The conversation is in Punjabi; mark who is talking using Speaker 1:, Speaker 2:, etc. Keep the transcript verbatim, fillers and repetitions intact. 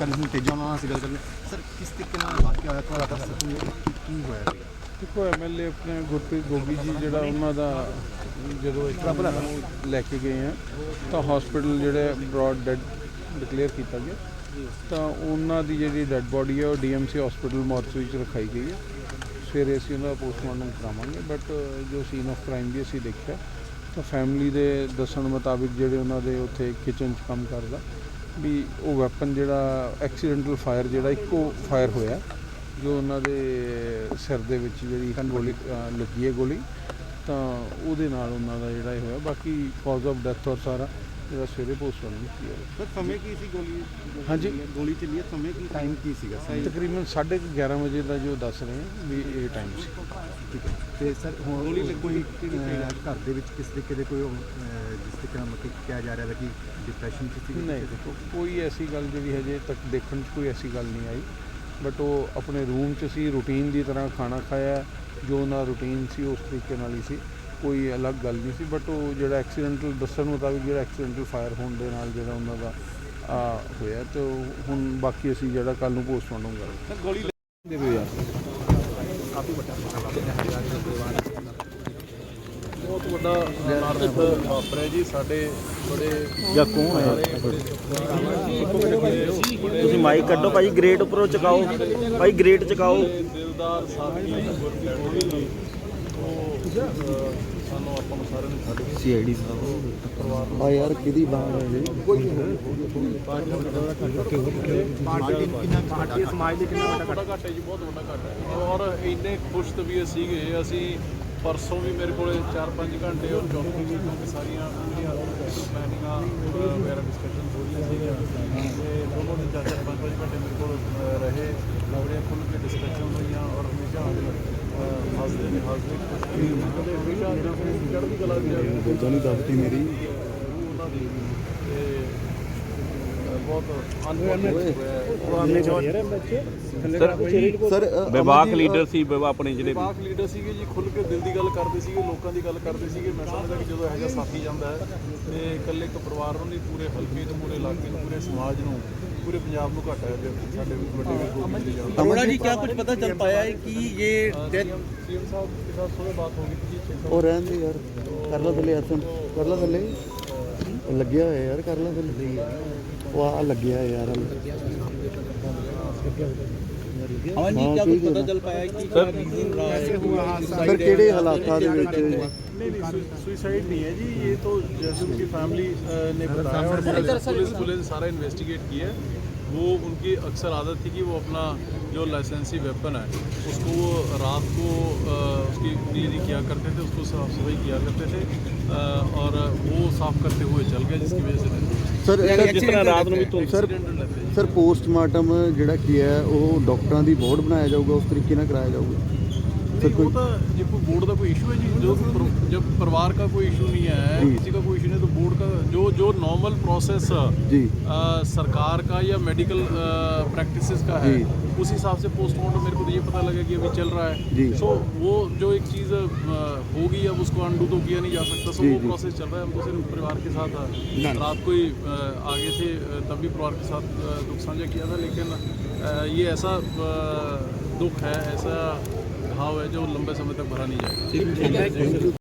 Speaker 1: ਕਰਨੀ ਸੀ ਤੇਜਾ ਉਹਨਾਂ ਨਾਲ ਅਸੀਂ ਗੱਲ ਕਰਨੀ ਸਰ ਕਿਸ ਤਰੀਕੇ ਨਾਲ ਵਾਕਿਆ ਹੋਇਆ ਥੋੜਾ ਦੱਸ ਸਕੋਗੇ ਕੀ ਹੋਇਆ ਸੀਗਾ?
Speaker 2: ਦੇਖੋ ਐਮ ਐਲ ਏ ਆਪਣੇ ਗੁਰਪ੍ਰੀਤ ਗੋਗੀ ਜੀ ਜਿਹੜਾ ਉਹਨਾਂ ਦਾ ਜਦੋਂ ਇੱਥੇ ਲੈ ਕੇ ਗਏ ਆ ਤਾਂ ਹਸਪੀਟਲ ਜਿਹੜੇ ਬਰੋਡ ਡੈਡ ਡਿਕਲੇਅਰ ਕੀਤਾ ਗਿਆ ਤਾਂ ਉਹਨਾਂ ਦੀ ਜਿਹੜੀ ਡੈਡ ਬੋਡੀ ਹੈ ਉਹ D M C hospital mortuary 'ਚ ਰਖਾਈ ਗਈ ਹੈ। ਸਵੇਰੇ ਅਸੀਂ ਉਹਦਾ ਪੋਸਟਮਾਰਟਮ ਕਰਾਵਾਂਗੇ ਬਟ ਜੋ ਸੀਨ ਆਫ ਕ੍ਰਾਈਮ ਵੀ ਅਸੀਂ ਦੇਖਿਆ ਤਾਂ ਫੈਮਿਲੀ ਦੇ ਦੱਸਣ ਮੁਤਾਬਿਕ ਜਿਹੜੇ ਉਹਨਾਂ ਦੇ ਉੱਥੇ ਕਿਚਨ 'ਚ ਕੰਮ ਕਰਦਾ ਵੀ ਉਹ ਵੈਪਨ ਜਿਹੜਾ ਐਕਸੀਡੈਂਟਲ ਫਾਇਰ ਜਿਹੜਾ ਇੱਕੋ ਫਾਇਰ ਹੋਇਆ ਜੋ ਉਹਨਾਂ ਦੇ ਸਿਰ ਦੇ ਵਿੱਚ ਜਿਹੜੀ ਗੋਲੀ ਲੱਗੀ ਹੈ ਗੋਲੀ ਤਾਂ ਉਹਦੇ ਨਾਲ ਉਹਨਾਂ ਦਾ ਜਿਹੜਾ ਇਹ ਹੋਇਆ। ਬਾਕੀ ਕਾਜ਼ ਆਫ ਡੈਥ ਔਰ ਸਾਰਾ ਜਿਹੜਾ ਸਵੇਰੇ ਪੋਸਟਮਾਰਟਮ ਕੀਤਾ
Speaker 1: ਸਰ ਸਮੇਂ ਕੀ ਸੀ ਗੋਲੀ
Speaker 2: ਹਾਂਜੀ
Speaker 1: ਗੋਲੀ ਚੱਲੀ ਹੈ ਸਮੇਂ ਕੀ ਟਾਈਮ ਕੀ ਸੀਗਾ ਸਹੀ
Speaker 2: ਤਕਰੀਬਨ ਸਾਢੇ ਕੁ ਗਿਆਰਾਂ ਵਜੇ ਦਾ ਜੋ ਦੱਸ ਰਹੇ ਹਾਂ ਵੀ ਇਹ ਟਾਈਮ ਸੀ।
Speaker 1: ਠੀਕ ਹੈ ਤੇ ਸਰ ਹੁਣ ਗੋਲੀ ਕੋਈ ਘਰ ਦੇ ਵਿੱਚ ਕਿਸ ਤਰੀਕੇ ਦੇ ਕੋਈ ਜਿਸ ਤਰੀਕੇ ਨਾਲ ਮਤਲਬ ਕਿਹਾ ਜਾ ਰਿਹਾ ਹੈ ਕਿ ਡਿਪਰੈਸ਼ਨ 'ਚ ਸੀ?
Speaker 2: ਨਹੀਂ ਦੇਖੋ ਕੋਈ ਐਸੀ ਗੱਲ ਜਿਹੜੀ ਹਜੇ ਤੱਕ ਦੇਖਣ 'ਚ ਕੋਈ ਐਸੀ ਗੱਲ ਨਹੀਂ ਆਈ ਬਟ ਉਹ ਆਪਣੇ ਰੂਮ 'ਚ ਸੀ ਰੂਟੀਨ ਦੀ ਤਰ੍ਹਾਂ ਖਾਣਾ ਖਾਇਆ ਜੋ ਉਹਨਾਂ ਰੂਟੀਨ ਸੀ ਉਸ ਤਰੀਕੇ ਨਾਲ ਹੀ ਸੀ ਕੋਈ ਅਲੱਗ ਗੱਲ ਨਹੀਂ ਸੀ ਬਟ ਉਹ ਜਿਹੜਾ ਐਕਸੀਡੈਂਟਲ ਦੱਸਣ ਮੁਤਾਬਿਕ ਜਿਹੜਾ ਐਕਸੀਡੈਂਟਲ ਫਾਇਰ ਹੋਣ ਦੇ ਨਾਲ ਜਿਹੜਾ ਉਹਨਾਂ ਦਾ ਹੋਇਆ ਤੇ ਹੁਣ ਬਾਕੀ ਅਸੀਂ ਜਿਹੜਾ ਕੱਲ੍ਹ ਨੂੰ ਪੋਸਟਮਾਰਟਮ ਕਰਾਂਗੇ।
Speaker 1: ਸਰ ਗੋਲੀ
Speaker 2: ਦੇਖੋ ਯਾਰ
Speaker 1: ਕਾਫੀ ਵੱਡਾ
Speaker 3: ਬਹੁਤ ਵੱਡਾ ਅਨਰਥ ਵਾਪਰਿਆ ਜੀ ਸਾਡੇ ਬੜੇ
Speaker 4: ਜਾਂ ਕੌਣ ਹੈ ਤੁਸੀਂ ਮਾਈਕ ਕੱਢੋ ਭਾਈ ਗ੍ਰੇਟ ਉੱਪਰੋਂ ਚਕਾਓ ਭਾਈ ਗ੍ਰੇਟ ਚਕਾਓ
Speaker 3: ਦਿਲਦਾਰ ਸਾਥੀ ਗੁਰਪ੍ਰੀਤ ਗੋਗੀ ਜੀ ਉਹ ਸਾਨੂੰ ਆਪਾਂ ਨੂੰ ਸਾਰਿਆਂ ਨੂੰ ਛੱਡ ਕੇ
Speaker 4: ਸੀ ਆਈ ਡੀ ਸਾਹਿਬ ਆ ਯਾਰ ਕਿਹਦੀ ਬਾਤ ਹੈ ਜੀ
Speaker 1: ਪਾਰਟੀ ਸਮਾਜ ਦੇ ਕਿੰਨਾ ਵੱਡਾ
Speaker 3: ਵੱਡਾ ਘਾਟਾ ਜੀ ਬਹੁਤ ਵੱਡਾ ਘਾਟਾ ਹੈ ਔਰ ਇੰਨੇ ਖੁਸ਼ ਤਬੀਅਤ ਸੀਗੇ ਅਸੀਂ ਪਰਸੋਂ ਵੀ ਮੇਰੇ ਕੋਲ ਚਾਰ ਪੰਜ ਘੰਟੇ ਔਰ ਚੌਥੀ ਵੀ ਕਿਉਂਕਿ ਸਾਰੀਆਂ ਪੂਰੀਆਂ ਪਲੈਨਿੰਗਾਂ ਵਗੈਰਾ ਡਿਸਕਸ਼ਨ ਹੋ ਰਹੀਆਂ ਸੀਗੀਆਂ ਤੇ ਦੋਨੋਂ ਦੇ ਚਾਰ ਚਾਰ ਪੰਜ ਪੰਜ ਘੰਟੇ ਮੇਰੇ ਕੋਲ ਰਹੇ ਬੜੇ ਖੁੱਲ੍ਹ ਕੇ ਡਿਸਕਸ਼ਨ ਹੋਈਆਂ ਔਰ ਹਮੇਸ਼ਾ ਹੱਸਦੇ ਨੇ ਹੱਸਦੇ ਕਦੇ ਹਮੇਸ਼ਾ ਚੜ੍ਹਦੀ ਕਲਾ ਵਿੱਚ
Speaker 1: ਗੋਦਾਂ ਨਹੀਂ ਦੱਬਤੀ ਮੇਰੀ
Speaker 3: ਉਹਨਾਂ ਦੀ ਤੇ ਬਹੁਤ ਅਨਪੜ੍ਹ
Speaker 4: ਸਰ ਵਿਭਾਗ ਲੀਡਰ ਸੀ ਆਪਣੇ ਜਿਹੜੇ
Speaker 3: ਵਿਭਾਗ ਲੀਡਰ ਸੀਗੇ ਜੀ ਖੁੱਲ੍ਹ ਕੇ ਦਿਲ ਦੀ ਗੱਲ ਕਰਦੇ ਸੀਗੇ ਲੋਕਾਂ ਦੀ ਗੱਲ ਕਰਦੇ ਸੀਗੇ। ਮੈਂ ਸਮਝਦਾ ਕਿ ਜਦੋਂ ਇਹੋ ਜਿਹਾ ਸਾਥੀ ਜਾਂਦਾ ਹੈ ਤੇ ਇਕੱਲੇ ਇੱਕ ਪਰਿਵਾਰ ਨੂੰ ਨਹੀਂ ਪੂਰੇ ਹਲਕੇ ਨੂੰ ਪੂਰੇ ਇਲਾਕੇ ਨੂੰ ਪੂਰੇ ਸਮਾਜ ਨੂੰ पूरे पंजाब में घाटा है ਸਾਡੇ ਵੱਡੇ
Speaker 4: अरोड़ा जी क्या कुछ पता चल पाया है कि ये डेथ
Speaker 3: सीएम साहब के साथ सुबह बात होगी थी
Speaker 4: और रहन दे यार कर ला थले हसन कर ला थले लग गया है यार कर ला थले वो आ लग गया है यार
Speaker 5: हाँ जी क्या कुछ पता चल पाया कि क्या रीजन रहा है
Speaker 4: सर ਕਿਹੜੇ ਹਾਲਾਤਾਂ ਦੇ ਵਿੱਚ
Speaker 3: नहीं सुसाइड नहीं है जी ये तो जैसे उनकी फैमिली ने बताया और पुलिस पुलिस सारा इन्वेस्टिगेट किया है। वो उनकी अक्सर आदत थी कि वो अपना जो लाइसेंसी वेपन है उसको वो रात को आ, उसकी क्लीनिंग किया करते थे उसको साफ सफाई किया करते थे आ, और वो साफ करते हुए चल गए जिसकी वजह से
Speaker 4: ਸਰ ਜਿਸ ਤਰ੍ਹਾਂ ਰਾਤ ਨੂੰ ਵੀ ਤੋਂ ਸਰ ਸਰ ਪੋਸਟਮਾਰਟਮ ਜਿਹੜਾ ਕੀ ਹੈ ਉਹ ਡਾਕਟਰਾਂ ਦੀ ਬੋਰਡ ਬਣਾਇਆ ਜਾਊਗਾ ਉਸ ਤਰੀਕੇ ਨਾਲ ਕਰਾਇਆ ਜਾਊਗਾ
Speaker 3: वो तो ये कोई बोर्ड का कोई इशू है जी जो जब परिवार का कोई इशू नहीं है किसी का कोई इशू नहीं तो बोर्ड का जो जो नॉर्मल प्रोसेस
Speaker 4: जी
Speaker 3: आ, सरकार का या मेडिकल प्रैक्टिसेस का है उस हिसाब से पोस्टमार्टम मेरे को तो ये पता लगा कि अभी चल रहा है सो वो जो एक चीज़ होगी अब उसको अंडू तो किया नहीं जा सकता सो वो प्रोसेस चल रहा है। हम तो सिर्फ परिवार के साथ रात को ही आगे थे तब भी परिवार के साथ दुख साझा किया था लेकिन ये ऐसा दुख है ऐसा घाव है जो लंबे समय तक भरा नहीं जाएगा।